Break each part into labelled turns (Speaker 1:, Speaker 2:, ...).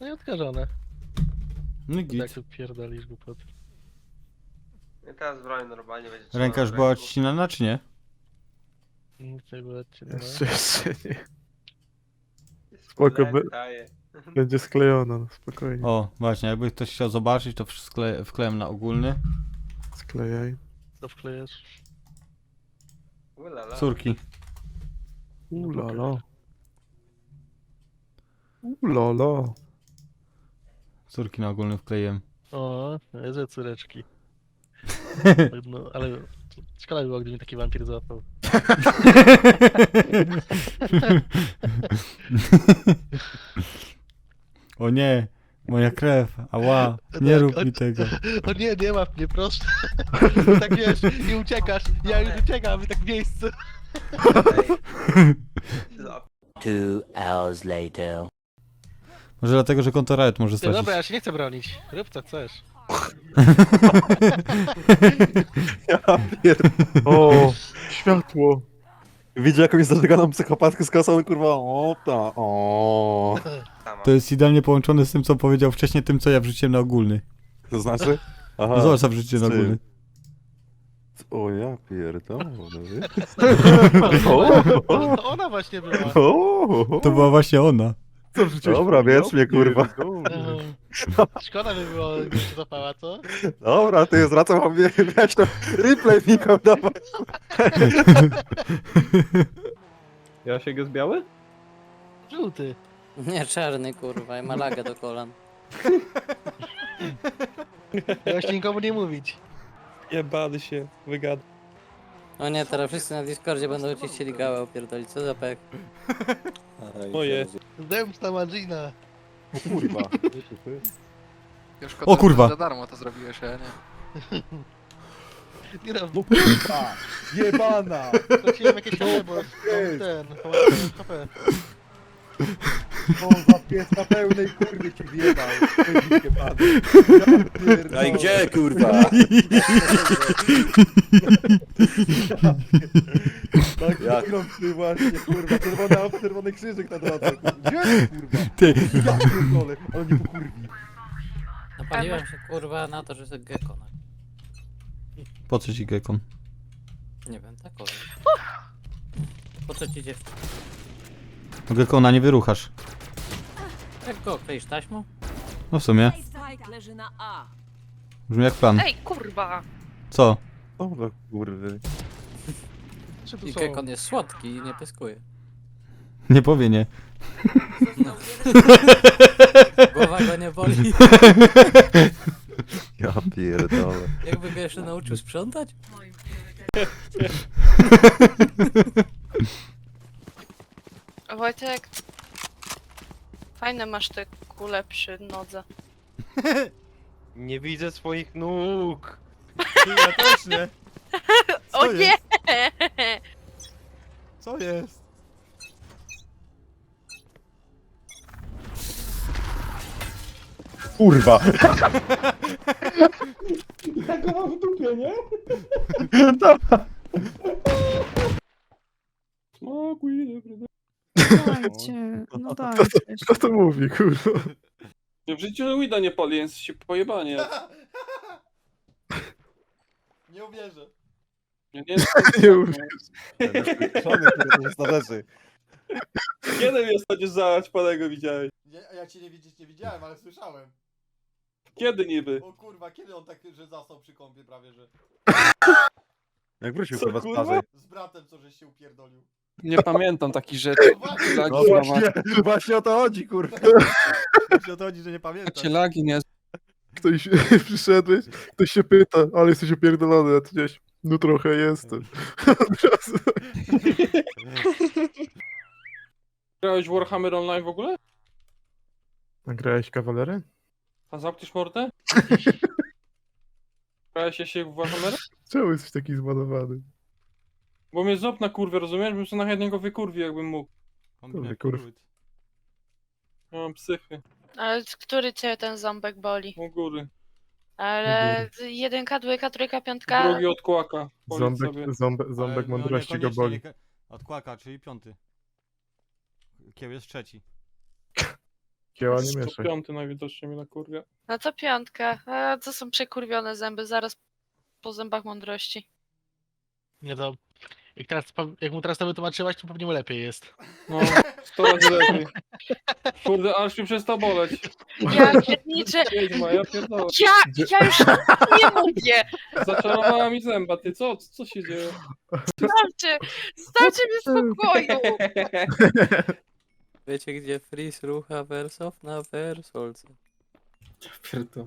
Speaker 1: No i odkażone.
Speaker 2: No i
Speaker 1: To tak
Speaker 2: git.
Speaker 1: tu pierdolisz głupoty.
Speaker 3: I teraz broń normalnie będzie
Speaker 2: Ręka
Speaker 3: trzymana
Speaker 2: już
Speaker 3: w
Speaker 2: była
Speaker 3: ręku.
Speaker 2: odcinana, czy nie?
Speaker 1: Nic nie było odcinane.
Speaker 4: Jeszcze nie.
Speaker 3: Jest
Speaker 4: Spoko,
Speaker 3: lek daje.
Speaker 4: będzie sklejona, no spokojnie.
Speaker 2: O, właśnie, jakby ktoś chciał zobaczyć, to wklejam na ogólny.
Speaker 4: Sklejaj.
Speaker 1: Co wklejasz?
Speaker 3: Ulala.
Speaker 2: Córki.
Speaker 4: Ulala. Ulala.
Speaker 2: Córki na ogólny wkleiłem.
Speaker 1: O, że córeczki. No, ale szkoda by było, gdyby mi taki wampir złapał.
Speaker 2: O nie, moja krew, ała, nie
Speaker 1: Tak,
Speaker 2: rób mi tego.
Speaker 1: O nie, nie łap mnie, proszę. Tak wiesz, i uciekasz. Ja już uciekam, tak w miejscu.
Speaker 3: Ej.
Speaker 5: 2 hours later.
Speaker 2: Może dlatego, że konto Riot może
Speaker 1: Ty,
Speaker 2: stracić.
Speaker 1: dobra, ja się nie chcę bronić. Rób co chcesz.
Speaker 4: O, światło.
Speaker 6: Widzę jakąś zażeganą psychopatkę z kosą, kurwa, o ta, o.
Speaker 3: Sama.
Speaker 2: To jest idealnie połączone z tym, co powiedział wcześniej, tym, co ja wrzuciłem na ogólny.
Speaker 6: To znaczy? Aha.
Speaker 2: No zobacz, co wrzuciłem na
Speaker 6: z czym?
Speaker 2: ogólny.
Speaker 6: O ja pierdolę.
Speaker 1: To ona właśnie była.
Speaker 2: To była właśnie ona.
Speaker 4: Co wrzuciłeś?
Speaker 6: Dobra, wierz mnie, kurwa.
Speaker 1: Szkoda by było, gdyby się zapała, co?
Speaker 6: Dobra, ty zwracam wam wiesz to replay Miko, dawaj.
Speaker 7: Jasiek jest biały?
Speaker 1: Żółty.
Speaker 8: Nie, czarny kurwa, i ma lagę do kolan.
Speaker 1: Właśnie nikomu nie mówić.
Speaker 7: Jebany się, wygada.
Speaker 8: O nie, teraz wszyscy na Discordzie będą ci chcieli gałę opierdolić, co za pek.
Speaker 7: Moje.
Speaker 1: Zemsta Magina.
Speaker 6: Kurwa.
Speaker 9: Już
Speaker 2: O kurwa.
Speaker 9: Za darmo to zrobiłeś, ja nie.
Speaker 1: Nie no,
Speaker 6: No kurwa, jebana.
Speaker 1: wróciłem jakieś HP, bo mam ten, pomagałem HP.
Speaker 6: O, za pies na pełnej kurwy ci wjebał.
Speaker 5: No i gdzie, kurwa?
Speaker 6: Tak,
Speaker 5: Jak?
Speaker 6: ty właśnie, kurwa, czerwony krzyżyk na drodze. Gdzie, kurwa?
Speaker 2: Ty,
Speaker 6: Ja pierdolę, ale nie pokurwi.
Speaker 8: Napaliłem się kurwa na to, że to gecko. No.
Speaker 2: po co ci gekon?
Speaker 8: Nie wiem, tak o. Po co ci dziewczyna?
Speaker 2: No gekona nie wyruchasz.
Speaker 8: Jak go kleisz taśmą?
Speaker 2: No w sumie,
Speaker 10: Spike leży na A.
Speaker 2: brzmi jak plan.
Speaker 10: Ej, kurwa!
Speaker 2: Co?
Speaker 6: O, no kurwy.
Speaker 1: Czy tu
Speaker 8: I
Speaker 1: są?
Speaker 8: gekon jest słodki i nie pyskuje.
Speaker 2: Nie powie nie.
Speaker 8: Głowa go nie boli.
Speaker 6: Ja pierdolę.
Speaker 8: Jakby go jeszcze nauczył sprzątać?
Speaker 10: Wojtek, fajne masz te kule przy nodze.
Speaker 7: Nie widzę swoich nóg.
Speaker 2: Ja też nie.
Speaker 10: O nie!
Speaker 2: Co jest?
Speaker 6: Kurwa.
Speaker 4: Dajcie, no dajcie. Kto to mówi, kurwa?
Speaker 7: W życiu Wida nie pali, jest się pojebanie.
Speaker 2: Nie uwierzę.
Speaker 7: Ja nie
Speaker 4: Nie mówię.
Speaker 6: Szony, kurwa, to jest na rzeczy.
Speaker 7: Kiedy mnie ostatnio zaś panego widziałeś?
Speaker 2: Ja cię nie widziałem, ale słyszałem.
Speaker 7: Kiedy niby?
Speaker 2: O kurwa, kiedy on tak, że zasnął przy kąpie prawie, że...
Speaker 6: Jak wrócił,
Speaker 7: Co,
Speaker 6: kurwa, z
Speaker 7: kurwa?
Speaker 6: plaży.
Speaker 2: Z bratem, co żeś się upierdolił.
Speaker 7: Nie pamiętam takich rzeczy. Lagi,
Speaker 6: No właśnie, właśnie o to chodzi, kurwa.
Speaker 2: Się o to chodzi, że nie pamiętam.
Speaker 7: Macie lagi, nie?
Speaker 4: Ktoś przyszedłeś, ktoś się pyta, ale jesteś upierdolony, a ty gdzieś, no trochę jestem. Od razu.
Speaker 7: Grałeś w Warhammer Online w ogóle?
Speaker 4: Nagrałeś kawalerę?
Speaker 7: A zamkniesz mordę? Grałeś się w Warhammer?
Speaker 4: Czemu jesteś taki zbanowany?
Speaker 7: Bo mnie ząb na kurwę, rozumiesz? Bym sobie na jednego wykurwił, jakbym mógł.
Speaker 4: Dobry, kurwa.
Speaker 7: Ja mam psychy.
Speaker 10: Ale który cię ten ząbek boli?
Speaker 7: U góry.
Speaker 10: Ale jedynka, dwójka, trójka, piątka.
Speaker 7: Drugi od kłaka. Powiedz sobie.
Speaker 4: Ząbek mądrości go boli.
Speaker 2: Od kłaka, czyli 5. Kieł jest 3.
Speaker 4: Kieła nie mieszaj.
Speaker 7: Piąty najwidoczniej mi na kurwie.
Speaker 10: No to piątka. A to są przekurwione zęby, zaraz po zębach mądrości.
Speaker 1: Nie to... Jak mu teraz to wytłumaczyłaś, to pewnie mu lepiej jest.
Speaker 7: No, 100 razy lepiej. Kurde, aż mi przestał boleć.
Speaker 10: Ja pierniczę.
Speaker 7: Wiedźma, ja pierdolę.
Speaker 10: Ja już nie mówię.
Speaker 7: Zaczarowała mi zęba, ty co się dzieje?
Speaker 10: Starczy mi spokoju.
Speaker 8: Wiecie gdzie Freeze rucha Wersow na Wersolce?
Speaker 6: Pierdol.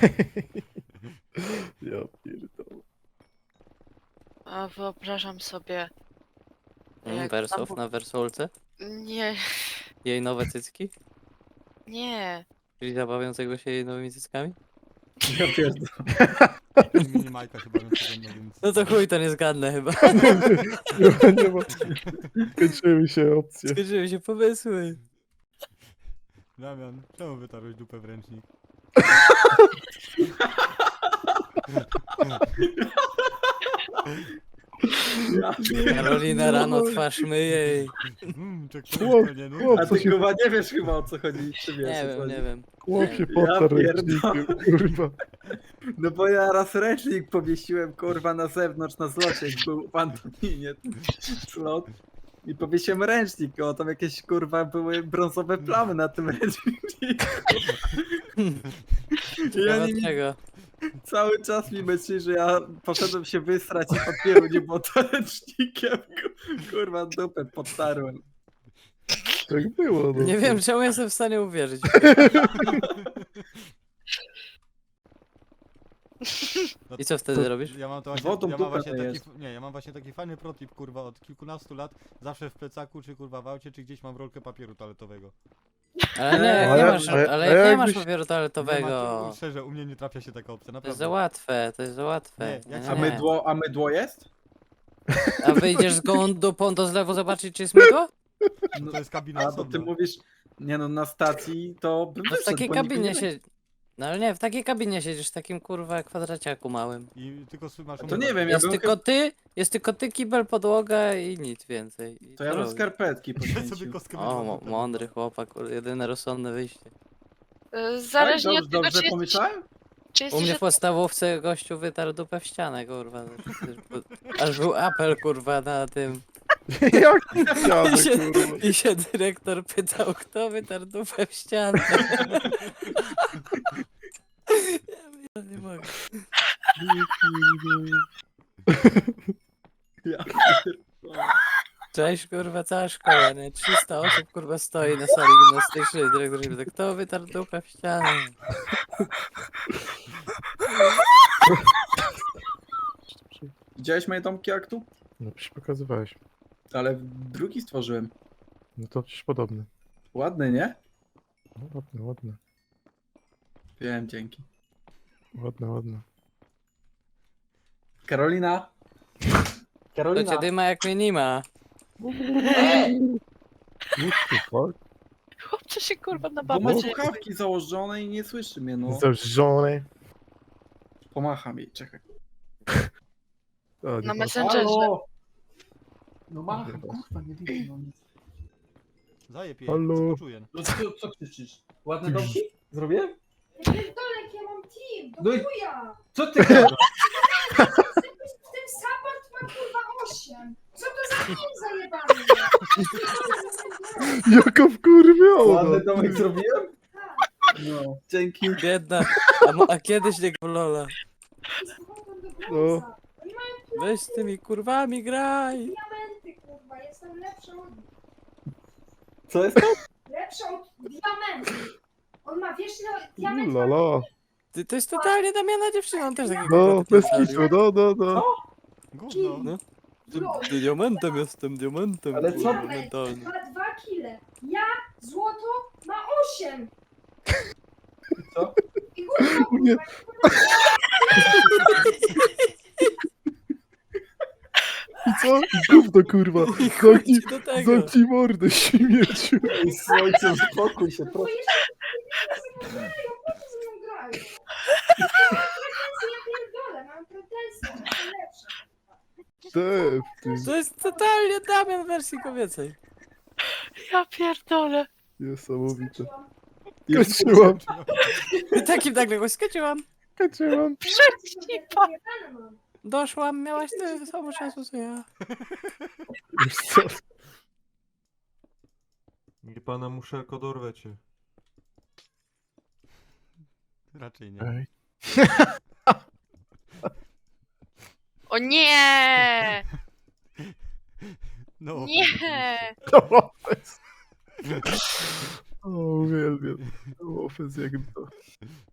Speaker 4: Ja pierdolę.
Speaker 10: A wyobrażam sobie. Jak
Speaker 8: Wersow
Speaker 10: tam-
Speaker 8: na Wersolce?
Speaker 10: Nie,
Speaker 8: Jej nowe cycki?
Speaker 10: nie.
Speaker 8: Czyli zabawiącego się jej nowymi cyckami?
Speaker 6: Ja pierdolę.
Speaker 2: Mini Majka chyba bym przyglądał, więc...
Speaker 8: No to chuj, to nie zgadnę chyba.
Speaker 4: Nie ma. Kończyły się opcje.
Speaker 8: Skończyły się pomysły.
Speaker 2: Damian, czemu wytarłeś dupę w ręcznik?
Speaker 8: Karolina rano twarz myje jej.
Speaker 4: Chłop,
Speaker 2: nie, no.
Speaker 4: chłop,
Speaker 6: A
Speaker 4: co
Speaker 6: ty
Speaker 4: się...
Speaker 6: chyba nie wiesz chyba o co chodzi, czy wiesz
Speaker 8: Nie
Speaker 6: o co
Speaker 8: wiem,
Speaker 6: chodzi.
Speaker 8: nie wiem.
Speaker 4: Chłop się
Speaker 8: Ja
Speaker 4: potarł
Speaker 6: pierdolę.
Speaker 4: ręcznikiem, kurwa.
Speaker 6: No bo ja raz ręcznik powiesiłem kurwa na zewnątrz na zlocie, jak był w Antoninie slot. I powiesiłem ręcznik, o tam jakieś kurwa były brązowe plamy na tym ręczniku. I
Speaker 8: Ciekawe
Speaker 6: oni mi
Speaker 8: czego?
Speaker 6: cały czas mi myśli, że ja poszedłem się wysrać i papieru nie było to ręcznikiem. Kurwa dupę podtarłem.
Speaker 4: Tak było, no.
Speaker 8: Nie wiem czemu jestem w stanie uwierzyć.
Speaker 2: No
Speaker 8: I co wtedy robisz?
Speaker 2: Ja mam to
Speaker 6: Wodą
Speaker 2: ja mam
Speaker 6: dupę
Speaker 2: właśnie
Speaker 6: myjesz.
Speaker 2: taki, nie, ja mam właśnie taki fajny protip, kurwa, od kilkunastu lat, zawsze w plecaku, czy kurwa w aucie, czy gdzieś mam rolkę papieru toaletowego.
Speaker 8: Ale nie,
Speaker 4: A
Speaker 8: jak nie
Speaker 4: ja-
Speaker 8: masz,
Speaker 4: a ja-
Speaker 8: ale
Speaker 4: a
Speaker 8: jak nie
Speaker 4: jakbyś-
Speaker 8: masz papieru
Speaker 2: Nie
Speaker 8: toaletowego.
Speaker 2: ma, szczerze, u mnie nie trafia się taka opcja,
Speaker 8: To jest
Speaker 2: naprawdę.
Speaker 8: za łatwe, to jest za łatwe.
Speaker 2: Nie, jak
Speaker 8: Nie,
Speaker 6: A
Speaker 8: nie.
Speaker 6: mydło jest?
Speaker 8: A wyjdziesz z gołą dupą do zlewu zobaczyć czy jest mydło?
Speaker 2: No to jest kabina
Speaker 6: A to
Speaker 2: osobna.
Speaker 6: ty mówisz, nie no na stacji to bym
Speaker 8: No w
Speaker 6: wyszedł,
Speaker 8: takiej
Speaker 6: bo nigdy
Speaker 8: kabinie
Speaker 6: nie-
Speaker 8: się... No ale nie, w takiej kabinie siedzisz, w takim kurwa kwadraciaku małym.
Speaker 2: I tylko masz
Speaker 6: To nie wiem, ja
Speaker 8: Jest
Speaker 6: bym
Speaker 8: tylko ty, kibel, podłoga i nic więcej. I
Speaker 6: To ja
Speaker 8: co
Speaker 6: bym
Speaker 8: robisz?
Speaker 6: skarpetki
Speaker 2: Ja sobie
Speaker 6: poświęcił.
Speaker 2: kostkę
Speaker 8: O,
Speaker 2: wydłam.
Speaker 8: mądry chłopak, kurde, jedyne rozsądne wyjście.
Speaker 10: Zależnie
Speaker 6: Tak,
Speaker 10: od tego,
Speaker 6: dobrze pomyślałem?
Speaker 10: czy
Speaker 8: U
Speaker 10: jesteś...
Speaker 8: mnie w podstawówce gościu wytarł dupę w ścianę, kurwa. Aż był apel, kurwa, na tym.
Speaker 4: Jaki ściany,
Speaker 8: I się,
Speaker 4: kurwa.
Speaker 8: I się dyrektor pytał, kto wytarł dupę w ścianę. Ja nie mogę.
Speaker 6: Ja
Speaker 8: Cześć, kurwa, cała szkoła, nie? 300 osób, kurwa, stoi na sali gimnastycznej. Dyrektor się pyta, kto wytarł dupę w ścianę?
Speaker 6: Widziałeś moje domki aktu?
Speaker 4: No przecież pokazywałeś.
Speaker 6: Ale drugi stworzyłem.
Speaker 4: No to przecież podobny.
Speaker 6: Ładny, nie?
Speaker 4: No ładne, ładne.
Speaker 6: Wiem, dzięki.
Speaker 4: Ładne, ładne.
Speaker 6: Karolina!
Speaker 8: To cię dyma jak mnie nie ma.
Speaker 4: What the fuck?
Speaker 10: Chłopcze się kurwa na
Speaker 6: Bo ma
Speaker 10: babę dzieje.
Speaker 6: słuchawki założone i nie słyszy mnie, no.
Speaker 4: Zażone.
Speaker 6: Pomacham jej, czekaj.
Speaker 4: O, nie
Speaker 10: Na
Speaker 4: ma-
Speaker 10: Messengerze.
Speaker 6: Halo! No macham, kurwa, nie widzę, no nic.
Speaker 2: Zajeb jej,
Speaker 4: Halo?
Speaker 2: co poczuję.
Speaker 6: No co krzyczysz? Ładne domki? Zrobiłem?
Speaker 11: Pierdolek, ja mam team, do
Speaker 6: No i-
Speaker 11: chuja!
Speaker 6: Co ty gadasz?
Speaker 11: W tym support ma kurwa 8. Co to za team zajebany?
Speaker 4: Jaka wkurwiona.
Speaker 6: Ładny domek zrobiłem? No, dzięki.
Speaker 8: Biedna. A kiedyś nie w Lola.
Speaker 11: No. Oni mają
Speaker 8: Weź z tymi kurwami graj.
Speaker 11: diamenty, kurwa, jestem lepsza od nich.
Speaker 6: Co jest to?
Speaker 11: Lepsza od diamentów. On ma, wiesz, no, diament ma...
Speaker 4: Lala.
Speaker 8: Ty, to jest totalnie Damiana dziewczyna, on też taki
Speaker 4: No, bez kitu, no.
Speaker 2: Gówno.
Speaker 8: No. Diamentem jestem, diamentem.
Speaker 6: Ale co?
Speaker 8: kurwa,
Speaker 11: Diament
Speaker 8: mentalnie.
Speaker 11: ma 2 kile. Ja, złoto, ma 8.
Speaker 6: Co?
Speaker 11: I kurwa,
Speaker 4: Nie.
Speaker 11: kurwa,
Speaker 4: I co? Gówno, kurwa. Zamknij,
Speaker 8: do tego.
Speaker 4: zamknij mordę, śmieciu.
Speaker 6: Ej, słońce, uspokój się,
Speaker 11: bo
Speaker 6: proszę.
Speaker 11: jeszcze ze mną grają, po co ze mną grają? Ja pierdolę, mam pretensje, jestem lepsza.
Speaker 4: Ty.
Speaker 8: To jest totalnie Damian w wersji kobiecej.
Speaker 10: Ja pierdolę.
Speaker 4: Niesamowite. Skończyłam,
Speaker 8: I takim nagle go skończyłam.
Speaker 4: skończyłam.
Speaker 10: Przecipa.
Speaker 8: Doszłam, miałaś tyle samo czasu co ja.
Speaker 4: Wiesz co?
Speaker 2: Nie pana muszelko dorwę cię. Raczej nie.
Speaker 4: Ej.
Speaker 10: O nie!
Speaker 2: No,
Speaker 10: Nie!
Speaker 4: To ofens. O, uwielbiam. To ofens jak to.